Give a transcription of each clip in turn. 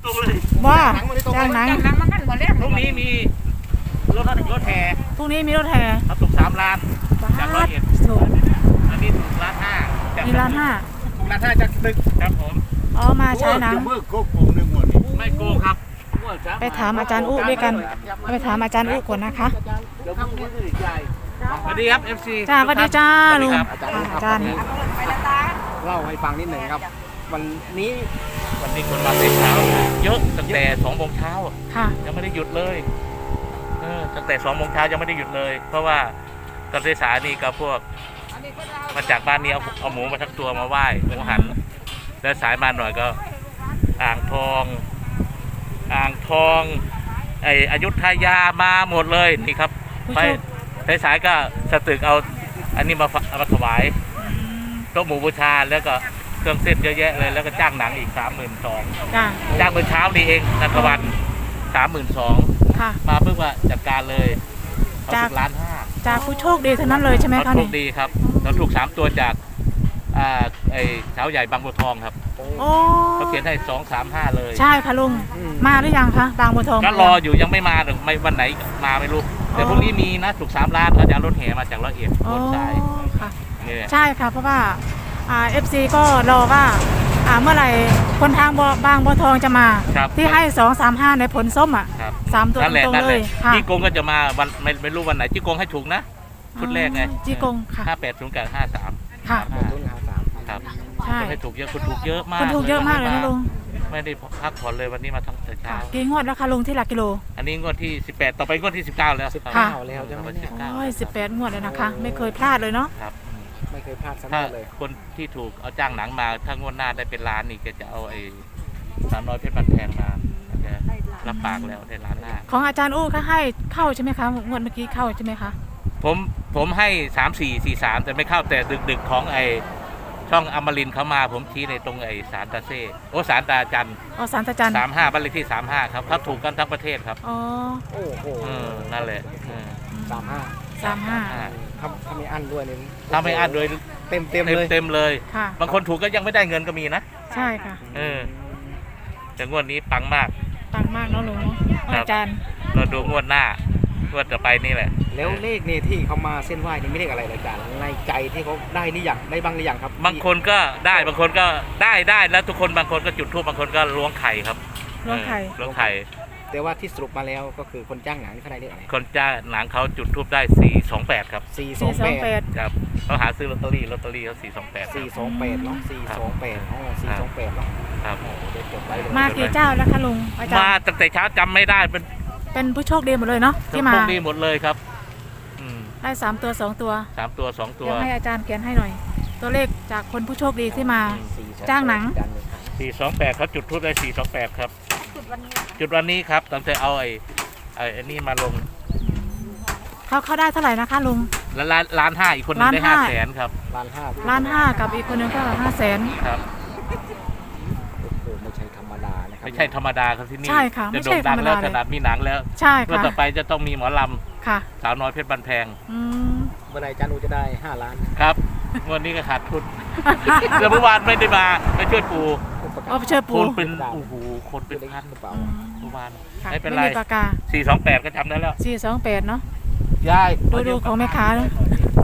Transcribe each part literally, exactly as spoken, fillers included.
ตรงเลยว่าจ้างหนังหนังมันกันหมดแล้วพรุ่งนี้มีรถรถแห่พรุ่งนี้มีรถแห่ครับถูกสามล้านจากร้อยเอ็ดถูกอันนี้ถูกล้านห้ามีร้านห้าถูกล้านห้าจากตึกครับผมอ๋อมาใช้หนังเมื่อโกงหนึ่งหมดนี่ไม่โกงครับไปถามอาจารย์อุด้วยกันไปถามอาจารย์อุก่อนนะคะเดี๋ยวพรุ่งนี้จะได้จ่ายสวัสดีครับ เอฟ ซีจ้าสวัสดีจ้าลุงครับอาจารย์เล่าให้ฟังนิดหนึ่งครับ วันนี้วันนี้คนมาแต่เช้าเยอะตั้งแต่สองโมงเช้าค่ะยังไม่ได้หยุดเลยเออตั้งแต่สองโมงเช้ายังไม่ได้หยุดเลย เพราะว่าตอนสายนี่ก็พวกมาจากบ้านนี้เอาเอาหมูมาทั้งตัวมาไหว้หมูหัน แล้วสายมาหน่อยก็ อ่างทอง อ่างทองไออยุธยามาหมดเลยนี่ครับ ไปสายๆก็สตึกเอาอันนี้มาเอามาถวายโต๊ะหมูบูชาแล้วก็เครื่องเส้นเยอะแยะเลยแล้วก็จ้างหนังอีกสามหมื่นสองจ้าจ้างเมื่อเช้านี่เองนันทวันสามหมื่นสองค่ะมาเพิ่งว่าจัดการเลยเขาจากถูกล้านห้าจากผู้โชคดีเท่านั้นเลยใช่ไหมเขาคะถูนี่กดีครับเราถูกสามตัวจากอ่าไอ้เช้าใหญ่บางบัวทองครับโอ้เขาเขียนให้สองสามห้าเลยใช่ค่ะลุงมาหรือยังคะบางบัวทองก็รออยู่ยังไม่มาหรือไม่วันไหนมาไม่รู้แต่พรุ่งนี้มีนะถูกสามล้านเขาจะเอารถแห่มาจากร้อยเอ็ดโอ้รถสายค่ะนี่แหละใช่ค่ะเพราะว่าอ่าเอฟซีก็รอว่าอ่าเมื่อไหร่คนทางบัวบางบัวทองจะมาครับที่ให้สองสามห้าในผลส้มอ่ะครับสามตัวนั่นแหละตรงนั่นๆแหเลละยค่ะจี้กงก็จะมาวันไม่ไม่รู้วันไหนจี้กงให้ถูกนะชุดแรกไงอ๋อจี้กงค่ะห้าแปดศูนย์กับห้าสามค่ะต้นหาสามครับใช่คนให้ถูกเยอะคนถูกเยอะมากคนถูกเยอะมากเลยนะลุงไม่ได้พักผ่อนเลยวันนี้มาทั้งแต่เช้ากี่งวดแล้วคะลุงที่หลักกิโลอันนี้งวดที่สิบแปดต่อไปงวดที่สิบเก้าแล้วสิบครับเก้าแล้วใช่ไหมเนี่ยสิบเก้าโอ้ยสิบแปดงวดเลยนะคะ ไม่เคยพลาดเลยเนาะครับไม่เคยพลาดสักถ้างวดเลยคนที่ถูกเอาจ้างหนังมาถ้างวดหน้าได้เป็นล้านนี่ก็จะเอาไอ้สามน้อยเพชรบันแพงมาจะรับปากแล้วได้ล้านหน้าของอาจารย์อู้ก็ให้เข้าใช่ไหมคะงวดเมื่อกี้เข้าใช่ไหมคะผมผมให้สามสี่สี่สามแต่ไม่เข้าแต่ดึกดึกๆของไอ้ช่องอมรินทร์เขามาผมชี้ในตรงไอ้สารตาเซ่โอ้สารตาจันอ๋อสารตะจันสามห้าบ้านเลขที่สามห้าครับเขาถูกกันทั้งประเทศครับอ๋อโอ้โหเออนั่นแหละเออสามห้าสามห้าทำทำไม่อั้นด้วยนี่ถ้าไม่อั้นโดยเต็มเต็มเต็มเลยเต็มเลยค่ะบางคนถูกก็ยังไม่ได้เงินก็มีนะใช่ค่ะเออแต่งวดนี้ปังมากปังมากเนาะลุงเนาะครับอาจารย์เราดูงวดหน้างวดต่อไปนี่แหละแล้วเลขเนี่ยที่เขามาเส้นไหว้นี่ไม่เลขอะไรเลยอาจารย์ในใจที่เขาได้นี่อย่างได้บ้างหรือยังครับบางคนก็ได้บางคนก็ได้ได้แล้วทุกคนบางคนก็จุดธูปบางคนก็ล้วงไข่ครับล้วงไข่เออล้วงไข่แต่ว่าที่สรุปมาแล้วก็คือคนจ้างหนังนี่เขาได้เลขอะไรคนจ้าหนังเขาจุดธูปได้สี่สองแปดครับสี่สอสี่งสอแปงแปดดครับเขาหาซื้อลอตเตอรี่ลอตเตอรี่เขาสี่สองแปดสี่สองแปดเนาะสี่สองแปดอ๋อสี่สองแปดเนาะครับโอ้โหเดี๋ยวจดไว้เลยมากี่เจ้าแล้วคะลุงอาจารมาย์ตั้งแต่เช้าจำไม่ได้เป็นเป็นผู้โชคดีหมดเลยเนาะที่มาพวกนี้หมดเลยครับอืมได้สามตัวสองตัวสามตัวสองตัวเดี๋ยวให้อาจารย์เขียนให้หน่อย ตัวเลขจากคนผู้โชคดีที่มาสี่สอแปดจ้างหนังจานหนึ่งครับสี่สองแปดเขาจุดทูบได้สี่สองแปดครับจุดวันนี้จุดวันนี้ครับตั้งแต่เอาไอ้ไอ้ไอ้นี่มาลงเขาเขาได้เท่าไหร่นะคะลุงแล้วล้านล้านห้าอีกคนหนึงได้ล้าห้านห้าแสนครับล้านห้าล้านห้ากับอีกคนนึงก็ห้าแสนครับโอ้โหไม่ใช่ธรรมดานะครับไม่ใช่ธรรมดาครับที่นี่ใช่ค่ะจะไม่โด่ใช่งธดัรง รมแล้วดาขเลยนาดมีหนังแล้วใช่ก็ค่ะต่อไปจะต้องมีหมอลค่ะำสาวน้อยเพชรบันแพงอืมเมื่อไหรจานูจะได้ห้าล้านครับวันนี้ก็ขาดทุนแต่เมื่อวานไม่ได้มาไปช่วยปู่เอาไปเชิญคปูนเป็นโอ้โหคนเป็นพันกระเป๋าอืมเมื่อวานค่ะไม่เป็นไม่ไรมีปากกาสี่สองแปดก็จำได้แล้วสี่สองแปดเนาะยายดูดูของแม่ค้าเนอะ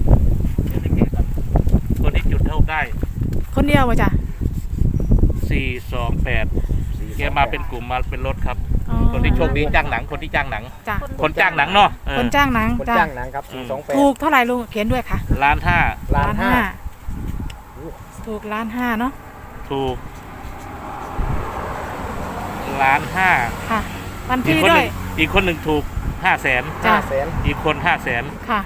คนที่จุดเท่าได้คนเดียววะจ้ะสี่สองแปดแกมาเป็นกลุ่มมาเป็นรถครับอ๋อคนที่โชคดีจ้างหนังคนที่จ้างหนังจ้ะคนจ้างหนังเนาะเออคนจ้างหนังคนจ้ะจ้างหนังครับสี่สองแปดถูกเท่าไหร่ลุงเขียนด้วยค่ะล้านห้าล้านห้าถูกล้านห้าเนาะถูกล้านห้าค่ะวันอีกที่คนหด้วนึ่ยงอีกคนหนึ่งถูกห้าแสนจ้ะห้าแสนอีกคนห้าแสนค่ะ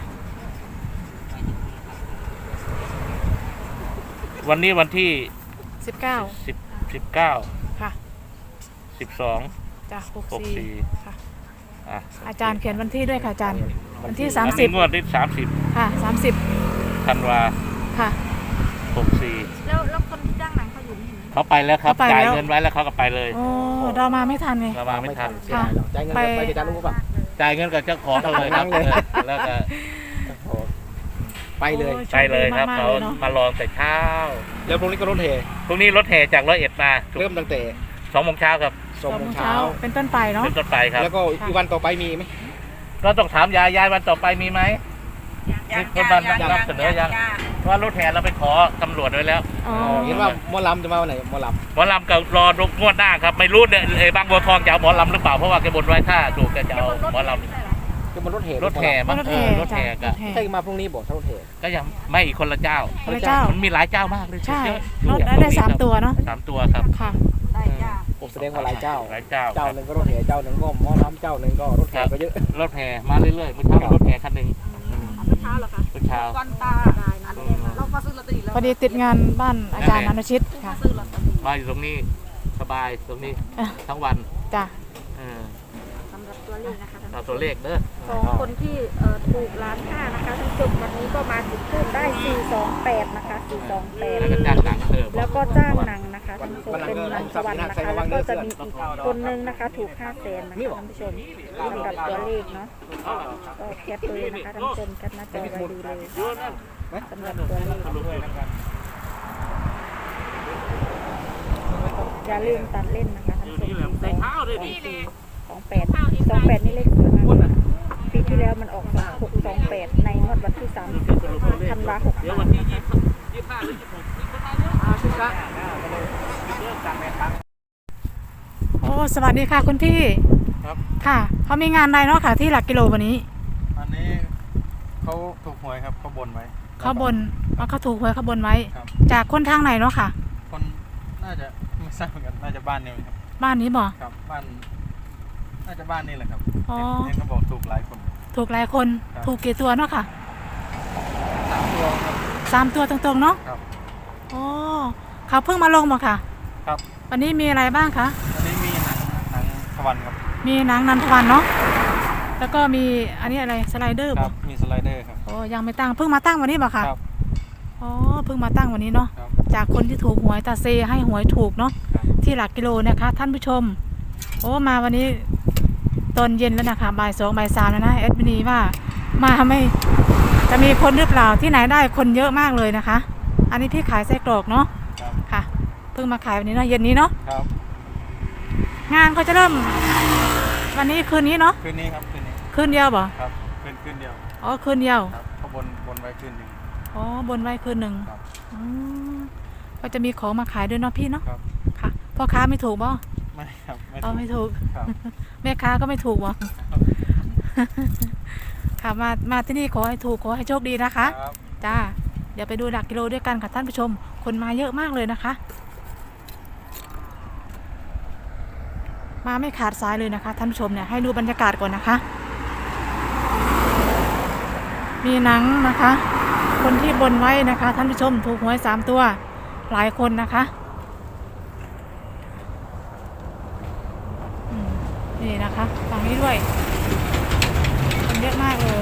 วันนี้วันที่สิบเก้าสิบสิบเก้าค่ะสิบสองจ้ะหกหกสี่สี่ค่ะอ่ะอาจารย์เขียนวันที่ด้วยค่ะอาจารย์ วันที่อัสามนสินี้บงวดที่สามสิบค่ะสามสิบธันวาค่ะหกสี่แล้วแล้วคนที่จ้างหนังเขาอยู่นี่ไหมเขาไปแล้วครับเขาไปจ่ายแล้วเงินไว้แล้วเขาก็ไปเลยโอ้เรามาไม่ทันไงเรามาไม่ทันเสียดายหรอกจ่ายเงินไปไปไปจานูป่ะจ่ายเงินกับเจ้าของเขาเลยครับเลยเออแล้วก็โอ้โหไปเลยโอ้ไปเลยครับโชเขาดีมากๆลยนะมาลองแต่เช้าแล้วพรุ่งนี้ก็รถเฮพรุ่งนี้รถแห่จากร้อยเอ็ดมาเริ่มตั้งแต่สองโมงเช้าครับสองโมงเช้าเป็นต้นไปเนาะเป็นต้นไปครับแล้วก็อีกวันต่อไปมีไหมก็ต้องถามยายยายวันต่อไปมีไหมมีคนมานำเสนอยังเพราะว่ารถแห่เราไปขอตำรวจไว้แล้วอ๋อเห็นว่าหมอลำจะมาวันไหนหมอลหมอลำก็รอดูงวดหน้าครับไม่รู้เนี่ยไอ้บางบัวทองจะเอาหมอลำหรือเปล่าเพราะว่าแกบนไว้ถ้าถูกแกจะเอาหมอลำำคือมันรถแห่รถแห่มั้งรถเอแห่อรถแห่ก็จ้ะรถแห่ใช่มาพรุ่งนี้บอกถ้ารถแห่ก็ยังไม่อีกคนละเจ้าพระเจ้ามันมีหลายเจ้ามากเลยใช่เยอะรถได้ได้สามตัวเนาะสามตัวครับค่ะได้จ้าผมแสดงว่าหลายเจ้าหลายเจ้าเจ้าหนึ่งก็รถแห่เจ้าหนึ่งก็หมอลำเจ้าหนึ่งก็รถแห่ก็เยอะรถแห่มาเรื่อยๆเมื่อเช้ามีรถแห่คันหนึ่งเช้าเหรอคะเมื่อเช้าวันตาได้นะเรามาซื้อลอตเตอรี่แล้วพอดีติดงานบ้านอาจารย์อนุชิตค่ะซื้อลอตเตอรี่มาอยู่ตรงนี้สบายตรงนี้อ่ะทั้งวันจ้ะเออสำหรับตัวเลขนะคะเอาตัวเลขเด้อของคนที่เอ่อถูกล้านห้านะคะท่านผู้ชมวันนี้ก็มาจุดทูบได้สี่สองแปดนะคะสี่สองแปดแล้วก็จ้างหนังเพิ่มแล้วก็จ้างหนังนะคะท่านผู้ชมเป็นหนังสวรรค์นะคะแล้วก็จะมีอีกคนนึงนะคะถูกห้าแสนนะคะท่านผู้ชมสำหรับตัวเลขเนาะก็แคปเลยนะคะท่านผู้ชมแคปหน้าจอไว้ดูเลยสำหรับตัวเลขอย่าลืมตัดเล่นนะคะท่านผู้ชมสองแปดสองแปดนี่เลขสวยมากปีที่แล้วมันออกสองหกสองแปดในงวดวันที่สามสิบธันวาหกสามนะคะโอ้สวัสดีค่ะคุณพี่ครับค่ะเขามีงานอะไรเนาะค่ะที่หลักกิโลวันนี้อันนี้เขาถูกหวยครับเขาบนไว้เขาบนว่าเขาถูกหวยเขาบนไว้ครับจากคนทางไหนเนาะค่ะคนน่าจะไม่ทราบเหมือนกันน่าจะบ้านนี่ครับบ้านนี้บ่ครับบ้านน่าจะบ้านนี่แหละครับอ๋อเห็นเห็นเขาบอกถูกหลายคนถูกหลายคนครับถูกกี่ตัวเนาะค่ะสามตัวครับสามตัวตรงๆเนาะครับอ๋อเขาเพิ่งมาลงบ่ค่ะครับวันนี้มีอะไรบ้างคะอันนี้มีหนังหนังสวรรค์ครับมีหนังนันทวันเนาะแล้วก็มีอันนี้อะไรสไลเดอร์คบ่รับมีสไลเดอร์ครับโอ้ยังไม่ตั้งเพิ่งมาตั้งวันนี้บ่ค่ะครับอ๋อเพิ่งมาตั้งวันนี้เนาะครับจากคนที่ถูกหวยตาเซให้หวยถูกเนาะครับที่หลักกิโลนะคะ ท่านผู้ชม โอ้มาวันนี้ตอนเย็นแล้วนะคะบ่ายสองบ่ายสามแล้วนะแอดมินีว่ามาไม่จะมีคนหรือเปล่าที่ไหนได้คนเยอะมากเลยนะคะ อันนี้พี่ขายไส้กรอกเนาะครับค่ะ เพิ่งมาขายวันนี้เนาะเย็นนี้เนาะครับงานเขาจะเริ่มวันนี้คืนนี้เนาะคืนนี้ครับคืนนี้คืนเดียวบ่ครับคืนคืนเดียวอ๋อคืนเดียวครับเขาบนบนไว้คืนหนึ่งอ๋อบนไว้คืนหนึ่งครับอืมก็จะมีของมาขายด้วยเนาะพี่เนาะครับค่ะพ่อค้าไม่ถูกบ่ไม่ครับไม่อ๋อถูกไม่ถูกครับแม่ค้าก็ไม่ถูกบ่ ค่ะมามาที่นี่ขอให้ถูกขอให้โชคดีนะคะครับจ้าเดี๋ยวไปดูหลักกิโลด้วยกันค่ะท่านผู้ชม คนมาเยอะมากเลยนะคะ มาไม่ขาดสายเลยนะคะ ท่านผู้ชมเนี่ยให้ดูบรรยากาศก่อนนะคะ มีหนังนะคะ คนที่บนไว้นะคะ ท่านผู้ชมถูกหวยสามตัวหลายคนนะคะอืมนี่นะคะฝั่งนี้ด้วยคนเยอะมากเลย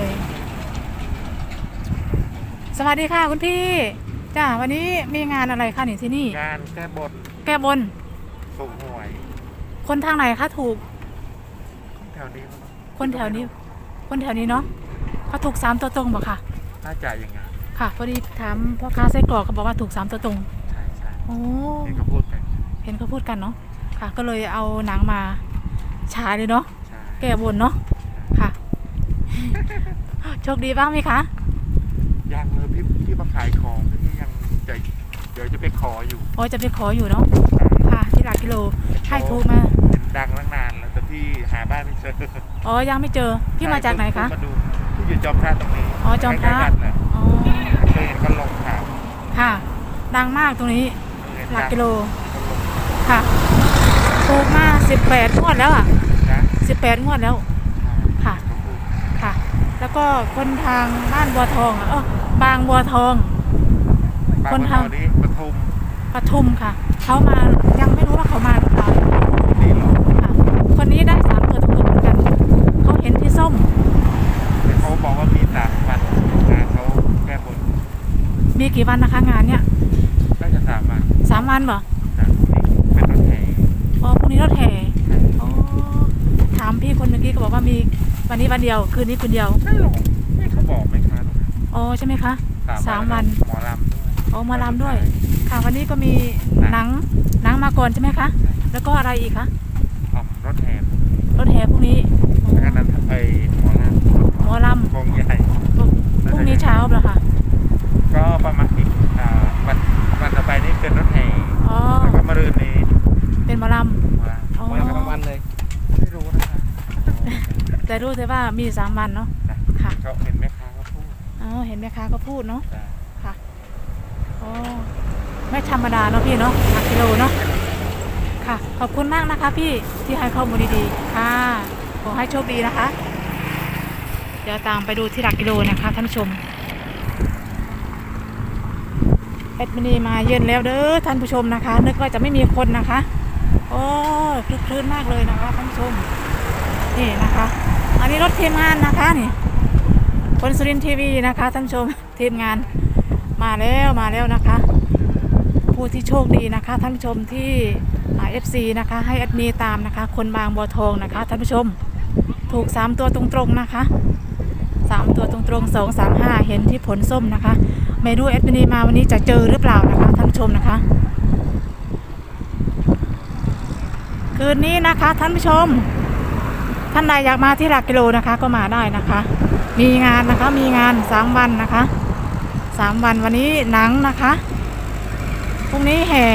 สวัสดีค่ะคุณพี่จ้าวันนี้มีงานอะไรคะนี่ที่นี่งานแก้บนแก้บนถูกหวยคนทางไหนคะถูกแถวนี้มั้งคนแถวนี้ คนแถวนี้เนาะเขาถูกสามตัวตรงบ่ค่ะน่าจะอย่างไงค่ะพอดีถามพ่อค้าไส้กรอกเขาบอกว่าถูกสามตัวตรงใช่ใช่โอ้เห็นเขาพูดกันเห็นเขาพูดกันเนาะค่ะ ก็เลยเอาหนังมาฉายเลยเนาะใช่แก้บนเนาะค่ะ โชคดีบ้างไหมคะยังเลยพี่พี่มาขายของพี่ยังจะเดี๋ยวจะไปขออยู่โอ้ยจะไปขออยู่เนาะค่ะที่หลักกิโลให้ถูกมาเห็นดังตั้งนานแล้วแต่พี่หาบ้านไม่เจออ๋อยังไม่เจอพี่มาจากไหนคะมาดูพี่อยู่จอมพระตรงนี้อ๋อจอมพระใกล้ๆกันน่ะอ๋อเคยเห็นก็ลงข่าวค่ะ ดังมากตรงนี้เห็นหลักดังกิโลก็ลงค่ะถูกมาสิบแปดงวดแล้วอ่ะนะสิบแปดงวดแล้ว ค่ะเขาพูดค่ะ แล้วก็คนทางบ้านบัวทองอ่ะเออบางบัวทองบางคนบัวททางองนี้ปทุมปทุมค่ะ เขามายังไม่รู้ว่าเขามาหรือเปล่านี่หรอค่ะ คนนี้ได้สามตัวตรงๆเหมือนกัน เขาเห็นที่ส้มแต่เขาบอกว่ามีสามวันงานเขาแก้บนมีกี่วันนะคะงานเนี้ยน่าจะสามวันสามวันเหรอสามวันเป็นรถแห่อ๋อพรุ่งนี้รถแห่อ๋อถามพี่คนเมื่อกี้ก็บอกว่ามีวันนี้วันเดียว คืนนี้คืนเดียวใช่หรอไม่เขาบอกไหมคะอ๋อใช่ไหมคะสามวันหมอลำด้วยอ๋อมาลำด้วย ค่ะวันนี้ก็มีหนังหนังมาก่อนใช่ไหมคะ แล้วก็อะไรอีกคะเอแต่รู้แต่ว่ามีสามวันเนาะค่ะเขาเห็นแม่ค้าเขาพูดอ๋อเห็นแม่ค้าก็พูดเนาะจ้ะค่ะโอ้ไม่ธรรมดาเนาะพี่เนาะหลักกิโลเนาะค่ะขอบคุณมากนะคะพี่ที่ให้ข้อมูลดีๆค่ะขอให้โชคดีนะคะเดี๋ยวตามไปดูที่หลักกิโลนะคะท่านผู้ชมเอ็ดมินีมาเย็นแล้วเด้อท่านผู้ชมนะคะนึกว่าจะไม่มีคนนะคะโอ้คลึกคลื้นมากเลยนะคะท่านผู้ชมนี่นะคะอันนี้รถทีมงานนะคะนี่คนสุรินทร์ทีวีนะคะท่านผู้ชมทีมงานมาแล้วมาแล้วนะคะผู้ที่โชคดีนะคะท่านผู้ชมที่เอฟซีนะคะให้แอดมินตามนะคะคนบางบัวทองนะคะท่านผู้ชมถูกสามตัวตรงๆนะคะสามตัวตรงๆสองสามห้าเห็นที่ผลส้มนะคะไม่รู้แอดมินมาวันนี้จะเจอหรือเปล่านะคะท่านผู้ชมนะคะคืนนี้นะคะท่านผู้ชมท่านใดอยากมาที่หลักกิโลนะคะก็มาได้นะคะมีงานนะคะมีงานสามวันนะคะสามวันวันนี้หนังนะคะพรุ่งนี้แห่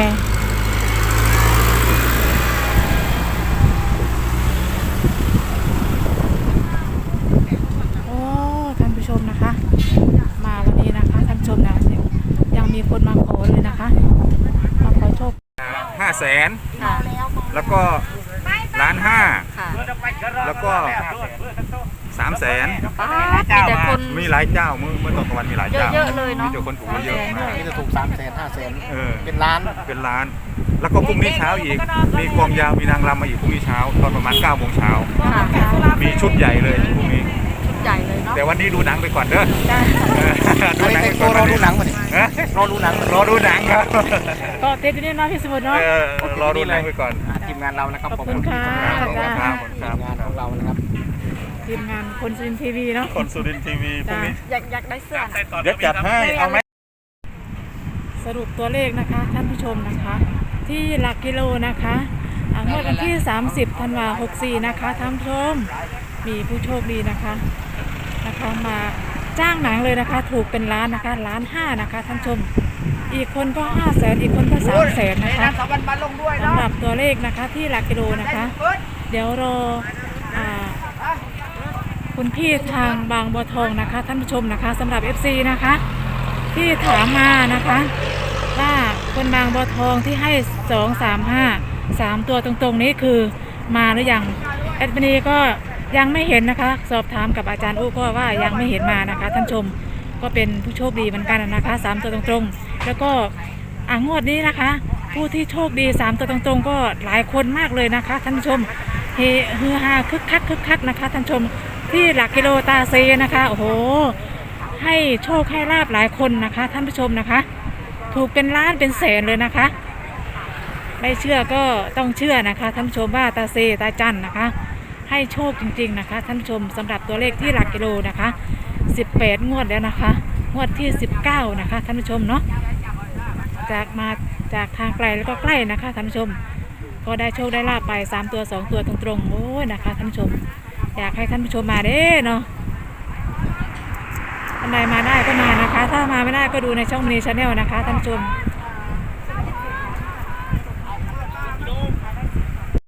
โอ้ท่านผู้ชมนะคะมาวันนี้นะคะท่านผู้ชมนะยังมีคนมาขอเลยนะคะมาขอโชคห้าแสนค่ะแล้วก็ล้านห้าค่ะแล้วก็สามแสนมีแต่คนมีหลายเจ้าเมื่อเมื่อตอนกลางวันมีหลายเจ้าเยอะๆเลยเนอะมีแต่คนถูกเยอะมากนี่จะถูกสามแสนห้าแสนเออเป็นล้านเป็นล้าน แล้วก็พรุ่งนี้เช้าอีก มีกลองยาวมีนางรำมาอีกพรุ่งนี้เช้าตอนประมาณเก้าโมงเช้าค่ะมีชุดใหญ่เลยพรุ่งนี้ชุดใหญ่เลยเนาะแต่วันนี้ดูหนังไปก่อนเด้อได้เอออันนี้เป็นตัวรอดูหนังมาดิฮะรอดูหนังรอดูหนังครับก็เต็มที่นี่เนาะพี่สมุทรเนาะเออรอดูหนังไปก่อนอ่ะทีมงานเรานะครับขอบคุณค่ะขอบคุณครับขอบคุณทีครับมงานของเรานะครับทีมงานคนซินทีวีเนาะคนสุรินทร์ทีวีพรุ่งนี้อยากอยากได้เสื้อนะเดี๋ยวจัดให้เอาไหมสรุปตัวเลขนะคะท่านผู้ชมนะคะ ที่หลักกิโลนะคะอ่างวดวันที่สามสิบธันวาคมหกสี่นะคะท่านผู้ชมมีผู้โชคดีนะคะนะคะมาจ้างหนังเลยนะคะ ถูกเป็นล้านนะคะล้านห้านะคะท่านผู้ชมอีกคนก็ห้าแสนอีกคนก็สามแสนนะคะสำหรับตัวเลขนะคะที่หลักกิโลนะคะ เดี๋ยวรออ่าคุณพี่ทางบางบัวทองนะคะท่านผู้ชมนะคะสำหรับ เอฟ ซี นะคะที่ถามมานะคะว่าคนบางบัวทองที่ให้สองสามห้าสามตัวตรงๆนี้คือมาหรือยังแอดมินีก็ยังไม่เห็นนะคะสอบถามกับอาจารย์อู้ก็ว่ายังไม่เห็นมานะคะท่านชมก็เป็นผู้โชคดีเหมือนกันนะคะสามตัวตรงๆแล้วก็อ่างวดนี้นะคะ ผู้ที่โชคดีสามตัวตรงๆก็หลายคนมากเลยนะคะท่านผู้ชมเฮฮือฮาคึกคักคึกคักนะคะท่านผู้ชมที่หลักกิโลตาเซนะคะโอ้โหให้โชคให้ลาบหลายคนนะคะท่านผู้ชมนะคะ ถูกเป็นล้านเป็นแสนเลยนะคะไม่เชื่อก็ต้องเชื่อนะคะท่านผู้ชมว่าตาเซตาจันนะคะให้โชคจริงๆนะคะท่านผู้ชมสำหรับตัวเลขที่หลักกิโลนะคะสิบแปดงวดแล้วนะคะงวดที่สิบเก้านะคะท่านผู้ชมเนาะจากมาจากทางไกลแล้วก็ใกล้นะคะท่านผู้ชมก็ได้โชคได้ลาบไปสามตัวสองตัวตรงๆโอ้ยนะคะท่านผู้ชมอยากให้ท่านผู้ชมมาเด้เนาะท่านใดมาได้ก็มานะคะถ้ามาไม่ได้ก็ดูในช่องมินิชาแนลนะคะท่านผู้ชม